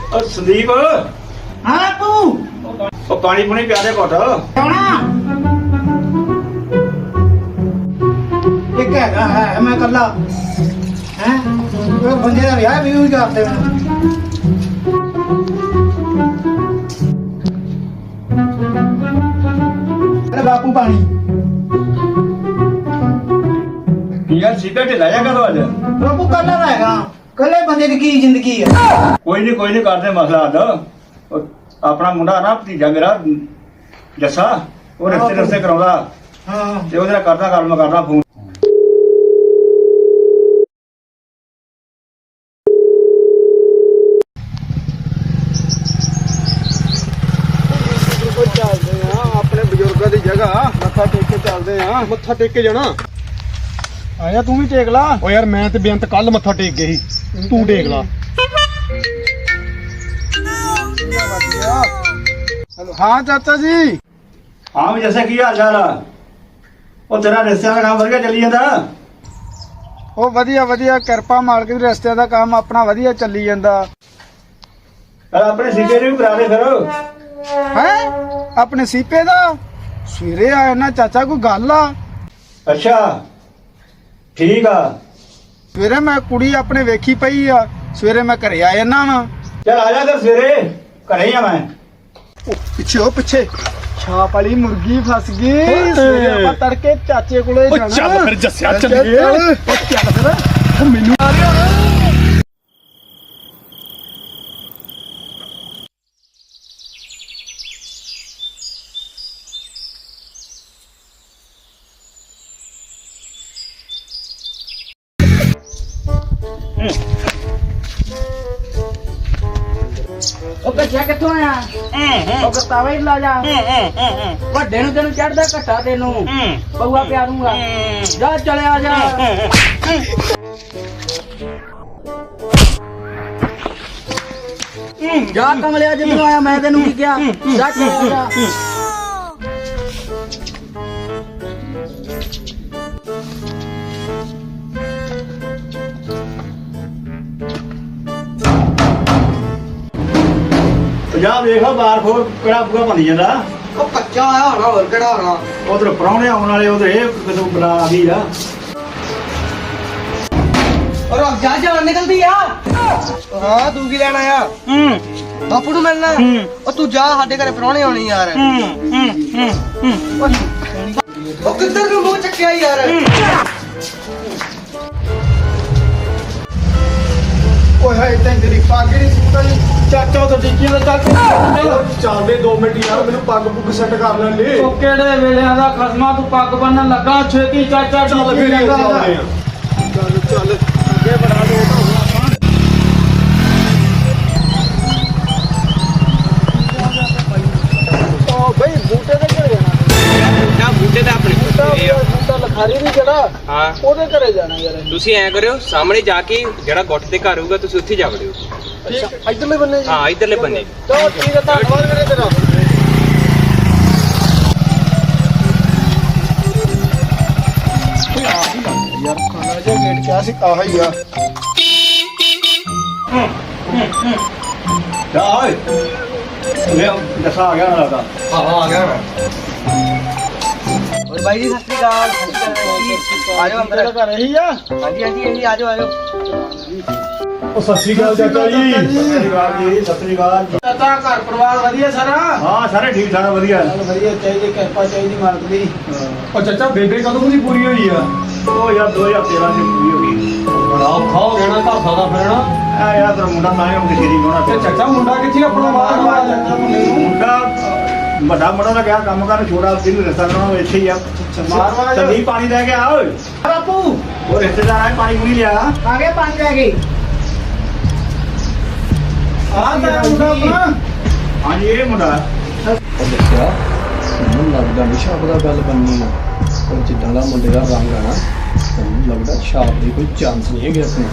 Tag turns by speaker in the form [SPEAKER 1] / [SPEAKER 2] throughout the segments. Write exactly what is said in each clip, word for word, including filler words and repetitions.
[SPEAKER 1] संदीप
[SPEAKER 2] हाँ तू
[SPEAKER 1] ਉਹ ਪਾਣੀ ਪੁਣੀ ਪਿਆ ਦੇ ਘੁੱਟ
[SPEAKER 2] एक हैगा है मैं कल्ला हैं वो बंदे का विआह भी हुई करते हैं अरे बापू पानी
[SPEAKER 1] यार सीधा ढिला जा करो आज
[SPEAKER 2] बापू कल्ला रहेगा कल्ले बंदे की जिंदगी है
[SPEAKER 1] कोई नहीं कोई नहीं करते मसला हल अपना मुंडा ना भतीजा मेरा जस्सा ਉਹ ਰਿਸ਼ਤੇ ਰਿਸ਼ਤੇ ਕਰਾਉਂਦਾ
[SPEAKER 2] हाँ
[SPEAKER 1] ਤੇ ਉਹਦੇ ਨਾਲ ਕਰਦਾ ਗੱਲ ਮੈਂ ਕਰਦਾ ਫੋਨ
[SPEAKER 3] ਚੱਲਦੇ ਆ ਆਪਣੇ ਬਜ਼ੁਰਗਾਂ ਦੀ ਜਗ੍ਹਾ ਮੱਥਾ ਟੇਕ ਕੇ ਚੱਲਦੇ ਆ ਮੱਥਾ ਟੇਕ ਕੇ ਜਾਣਾ
[SPEAKER 2] आया तू भी टेक ला
[SPEAKER 3] ਓ ਯਾਰ ਮੈਂ ਤੇ ਬੇਅੰਤ ਕੱਲ ਮੱਥਾ ਟੇਕ ਗਏ ਸੀ ਤੂੰ ਟੇਕ ਲਾ ਹੈਲੋ ਹਾਂ ਚਾਚਾ ਜੀ
[SPEAKER 1] ਹਾਂ ਵੀ ਜੱਸੇ ਕੀ ਹਾਲ ਚਾਲ ਆ ਉਹ ਤੇਰਾ ਰਿਸ਼ਤਿਆਂ ਦਾ ਕੰਮ ਵਧੀਆ ਚੱਲੀ ਜਾਂਦਾ
[SPEAKER 3] ਉਹ ਵਧੀਆ ਵਧੀਆ ਕਿਰਪਾ ਮਾਲਕ ਦੀ ਰਸਤੇ ਦਾ ਕੰਮ ਆਪਣਾ ਵਧੀਆ ਚੱਲੀ ਜਾਂਦਾ
[SPEAKER 1] ਪਰ ਆਪਣੇ ਸੀਕੇ ਨੂੰ ਵੀ ਕਰਾ ਦੇ ਫਿਰ
[SPEAKER 3] ਹੈ ਆਪਣੇ ਸੀਪੇ ਦਾ ਸਵੇਰੇ ਆਇਆ ਨਾ ਚਾਚਾ ਕੋਈ ਗੱਲ ਆ
[SPEAKER 1] ਅੱਛਾ ਠੀਕ ਆ
[SPEAKER 3] ਸਵੇਰੇ ਮੈਂ ਕੁੜੀ ਆਪਣੇ ਵੇਖੀ ਪਈ ਆ ਸਵੇਰੇ ਮੈਂ ਘਰੇ ਆ ਜਾਣਾ ਵਾ
[SPEAKER 1] ਚੱਲ ਆ ਜਾ ਕਰ ਸਵੇਰੇ ਘਰੇ ਹੀ ਆ ਮੈਂ
[SPEAKER 3] ਪਿੱਛੇ ਉਹ ਪਿੱਛੇ ਛਾਪ ਵਾਲੀ ਮੁਰਗੀ ਫਸ ਗਈ ਸਵੇਰੇ ਆਪਾਂ ਤੜਕੇ ਚਾਚੇ ਕੋਲੇ ਜਾਣਾ
[SPEAKER 4] ਚੱਲ ਫਿਰ ਜੱਸਿਆ ਚੱਲੀਏ।
[SPEAKER 3] ਚੱਲ ਚੱਲ ਫਿਰ ਉਹ ਮੈਨੂੰ ਆ ਰਿਹਾ
[SPEAKER 2] ਉਹ ਕੱਚਾ ਕਿੱਥੋਂ ਆਇਆ ਉਹ ਕਤਾਵਾ ਹੀ ਲਾ ਜਾ ਵੱਡੇ ਨੂੰ ਤੈਨੂੰ ਚੜਦਾ ਘੱਟਾ ਤੈਨੂੰ ਪਊਆ ਪਿਆ ਦੂੰਗਾ ਜਾ ਚਲਿਆ ਜਾ ਜਾ ਕਮਲਿਆ ਜਦੋਂ ਆਇਆ ਮੈਂ ਤੈਨੂੰ ਕੀ ਕਿਹਾ ਜਾ ਚਲਿਆ ਜਾ
[SPEAKER 1] ਜਾ ਵੇਖੋ ਬਾਰ ਖੋਰ ਕਿਹੜਾ ਪੂਰਾ ਬਣ ਜਾਂਦਾ
[SPEAKER 2] ਉਹ ਕੱਚਾ ਆਇਆ ਹੋਣਾ ਹੋਰ ਕਿਹੜਾ ਹੋਣਾ
[SPEAKER 1] ਉਧਰ ਪ੍ਰਾਹੁਣੇ ਆਉਣ ਵਾਲੇ ਉਧਰ ਇਹ ਕਿਦੋਂ ਬਣਾ ਆ ਗਈ ਆ
[SPEAKER 2] ਔਰ अब जा जान निकलती यार
[SPEAKER 3] ਹਾਂ ਤੂੰ ਕੀ ਲੈਣ ਆਇਆ
[SPEAKER 2] ਬਾਪੂ ਨੂੰ ਮਿਲਣਾ ਉਹ ਤੂੰ ਜਾ ਸਾਡੇ ਘਰੇ ਪ੍ਰਾਹੁਣੇ ਆਉਣੀ ਯਾਰ ਉਹ ਕਿੱਧਰ ਨੂੰ ਮੂੰਹ ਚੱਕਿਆ ਯਾਰ
[SPEAKER 3] ਓਏ ਹਾਏ ਤੈਨੂੰ ਤੇਰੀ ਪੱਗ ਨਹੀਂ ਸੁੱਕਦਾ ਜੀ ਚਾਚਾ ਉਹ ਟਿੱਕੀਆਂ ਦਾ ਚੱਲ ਚੱਲਦੇ ਦੋ ਮਿੰਟ ਯਾਰ ਮੈਨੂੰ ਪੱਗ ਪੁੱਗ ਸੈੱਟ ਕਰ ਲੈਣ ਦੇ
[SPEAKER 2] ਉਹ ਕਿਹੜੇ ਵੇਲਿਆਂ ਦਾ ਖਸਮਾ ਤੂੰ ਪੱਗ ਬੰਨਣ ਲੱਗਾ ਛੇਤੀ ਚਾਚਾ
[SPEAKER 3] ਚੱਲ ਫਿਰ ਚੱਲਦੇ ਆ ਚੱਲ ਚੱਲ ਅੱਗੇ ਬੜਾ ਲੇਟ ਹੋ ਗਿਆ ਆਪਾਂ ਉਹ ਬਈ ਬੂਟੇ ਤੇ ਘਰੇ ਜਾਣਾ
[SPEAKER 5] ਨਾ ਬੂਟੇ ਤਾਂ ਆਪਣੇ ਕੋਲ ਆ
[SPEAKER 3] ਬੂਟਾ ਲਖਾਰੀ ਨਹੀਂ ਜਿਹੜਾ
[SPEAKER 5] ਹਾਂ
[SPEAKER 3] ਉਹਦੇ ਘਰੇ ਜਾਣਾ ਯਾਰ
[SPEAKER 5] ਤੁਸੀਂ ਐਂ ਕਰਿਓ ਸਾਹਮਣੇ ਜਾ ਕੇ ਜਿਹੜਾ ਗੁੱਟ ਦੇ ਘਰ ਹੋਊਗਾ ਤੁਸੀਂ ਉੱਥੇ ਜਾ ਵੜਿਓ
[SPEAKER 3] ਠੀਕ ਇਧਰਲੇ ਬੰਨੇ ਜੀ
[SPEAKER 5] ਹਾਂ ਇਧਰਲੇ ਬੰਨੇ
[SPEAKER 3] ਚਲੋ ਠੀਕ ਹੈ ਧੰਨਵਾਦ ਵੀਰੇ ਤੇਰਾ ਯਾਰ ਖਾਣਾ ਜਿਹਾ ਗੇਟ ਕਿਆ ਸੀ ਆਹ ਹੀ ਆ
[SPEAKER 1] ਜਾ ਓਏ ਲੈ ਜੱਸਾ ਆ ਗਿਆ ਨਾ ਲੱਗਦਾ
[SPEAKER 3] ਹਾਂ ਆ ਗਿਆ ਮੈਂ
[SPEAKER 2] और भाई जी सत श्री अकाल आ जाओ अंदर
[SPEAKER 3] ਤੇਰਾ ਘਰ ਇਹੀ ਆ
[SPEAKER 2] हाँ जी हाँ जी हाँ जी आ जाओ आ जाओ
[SPEAKER 3] ਉਹ ਸਤਿ ਸ਼੍ਰੀ ਅਕਾਲ ਚਾਚਾ ਜੀ
[SPEAKER 1] ਸਤਿ ਸ੍ਰੀ ਅਕਾਲ ਜੀ ਸਤਿ ਸ੍ਰੀ ਅਕਾਲ
[SPEAKER 3] ਚਾਚਾ ਘਰ ਪਰਿਵਾਰ ਵਧੀਆ ਸਾਰਾ
[SPEAKER 1] ਹਾਂ ਸਾਰੇ ਠੀਕ ਠਾਕ ਵਧੀਆ
[SPEAKER 3] ਵਧੀਆ ਚਾਹੀਦੀ ਕਿਰਪਾ ਚਾਹੀਦੀ ਮਾਲਕ ਦੀ ਉਹ ਚਾਚਾ ਬੇਬੇ ਕਦੋਂ ਦੀ ਪੂਰੀ ਹੋਈ ਆ
[SPEAKER 1] ਉਹ ਯਾਰ ਦੋ ਹਜ਼ਾਰ ਤੇਰਾਂ ਚ ਪੂਰੀ ਹੋ ਗਈ
[SPEAKER 3] ਬੜਾ ਔਖਾ ਹੋ ਗਿਆ ਨਾ ਘਰ ਦਾ ਫਿਰਨਾ
[SPEAKER 1] ਆ ਯਾਰ ਤੇਰਾ ਮੁੰਡਾ ਤਾਂ ਆਇਆ ਉਹਦੇ ਸ਼ਰੀਕ ਹੋਣਾ
[SPEAKER 3] ਤੇ ਚਾਚਾ ਮੁੰਡਾ ਕਿੱਥੇ ਆਪਣਾ ਬਾਹਰ ਬਾਹਰ
[SPEAKER 1] ਮੁੰਡਾ ਵੱਡਾ ਮੁੰਡਾ ਦਾ ਕਿਹਾ ਕੰਮ ਕਰਨ ਛੋੜਾ ਜਿਹਨੂੰ ਰਿਸ਼ਤਾ ਕਰਾਉਣਾ ਇੱਥੇ ਹੀ ਆ
[SPEAKER 3] ਮਾਰਵਾ ਜਾ।
[SPEAKER 1] ਸੰਦੀਪ ਪਾਣੀ ਲੈ ਕੇ ਆ ਓਏ
[SPEAKER 2] बापू
[SPEAKER 1] ਉਹ ਰਿਸ਼ਤੇਦਾਰ ਆਏ ਪਾਣੀ ਪੂਣੀ ਲਿਆ
[SPEAKER 2] आगे पानी आ गई
[SPEAKER 3] ਆ ਤੇਰਾ ਮੁੰਡਾ ਆਪਣਾ
[SPEAKER 1] ਹਾਂਜੀ ਇਹ ਮੁੰਡਾ
[SPEAKER 6] ਦੱਸਿਆ ਮੈਨੂੰ ਲੱਗਦਾ ਨਹੀਂ ਛਾਪ ਦਾ ਗੱਲ ਬੰਨੀ ਆ ਪਰ ਜਿੱਦਾਂ ਦਾ ਮੁੰਡੇ ਦਾ ਰੰਗ ਆ ਨਾ ਮੈਨੂੰ ਲੱਗਦਾ ਛਾਪ ਦੀ ਕੋਈ ਚਾਂਸ ਨਹੀਂ ਹੈਗੀ ਆਪਣੇ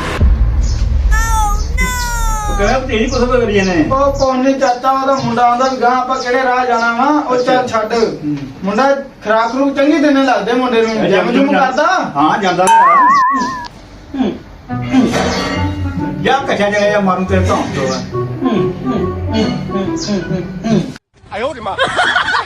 [SPEAKER 1] ਉਹ ਕਹਿੰਦਾ ਤੇਰੀ ਪਸੰਦ ਕਰੀ ਜਾਂਦੇ
[SPEAKER 3] ਉਹ ਕੋਨੇ ਚਾਚਾ ਉਹਦਾ ਮੁੰਡਾ ਆਂਦਾ ਵੀ ਗਾਂ ਆਪਾਂ ਕਿਹੜੇ ਰਾਹ ਜਾਣਾ ਵਾ ਉਹ ਚੱਲ ਛੱਡ ਮੁੰਡਾ ਖਰਾਕ ਨੂੰ ਚੰਗੀ ਦਿਨੇ ਲੱਗਦੇ ਮੁੰਡੇ ਨੂੰ ਜਿਮ ਜੁਮ ਕਰਦਾ
[SPEAKER 1] ਹਾਂ ਜਾਂਦਾ ਯਾ ਕਛਾ ਜਗ੍ਹਾ ਜਾਂ ਮਾਰੂ ਤੇ ਧੌਂ ਤੋਂ
[SPEAKER 3] 哎呦我的妈！